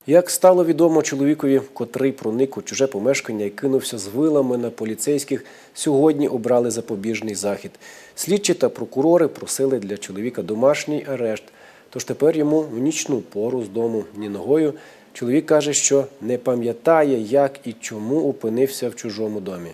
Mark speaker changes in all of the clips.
Speaker 1: Як стало відомо чоловікові, котрий проник у чуже помешкання і кинувся з вилами на поліцейських, сьогодні обрали запобіжний захід. Слідчі та прокурори просили для чоловіка домашній арешт. Тож тепер йому в нічну пору з дому ні ногою. Чоловік каже, що не пам'ятає, як і чому опинився в чужому домі.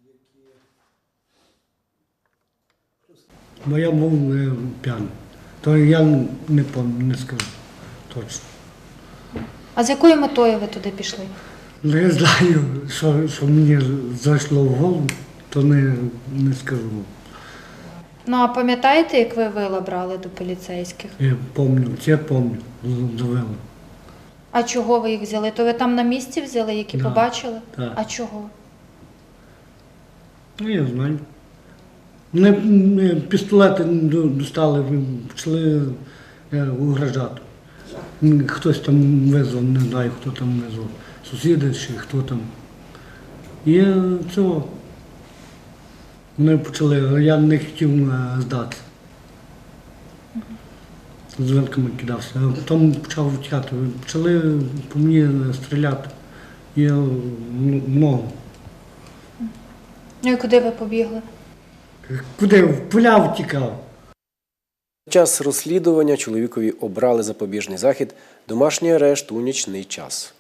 Speaker 2: Бо я був п'яний. То я не скажу точно.
Speaker 3: А з якою метою ви туди пішли?
Speaker 2: Ну, я знаю, що мені зайшло в голову, то не скажу.
Speaker 3: Ну, а пам'ятаєте, як ви вила брали до поліцейських?
Speaker 2: Я пам'ятаю, довели.
Speaker 3: А чого ви їх взяли? То ви там на місці взяли, які
Speaker 2: Да.
Speaker 3: побачили?
Speaker 2: Так.
Speaker 3: А чого?
Speaker 2: Ну, я знаю. Вони пістолети достали, почали угрожати. Хтось там визвав, не знаю, хто там визвав, сусіди чи хто там. І цього. Вони почали, я не хотів здатися. З вилками кидався, а потім почав втікати. Почали по мені стріляти. Я в ногу.
Speaker 3: Ну і куди ви побігли?
Speaker 2: Куди? В поля втікав.
Speaker 1: Під час розслідування чоловікові обрали запобіжний захід – домашній арешт у нічний час.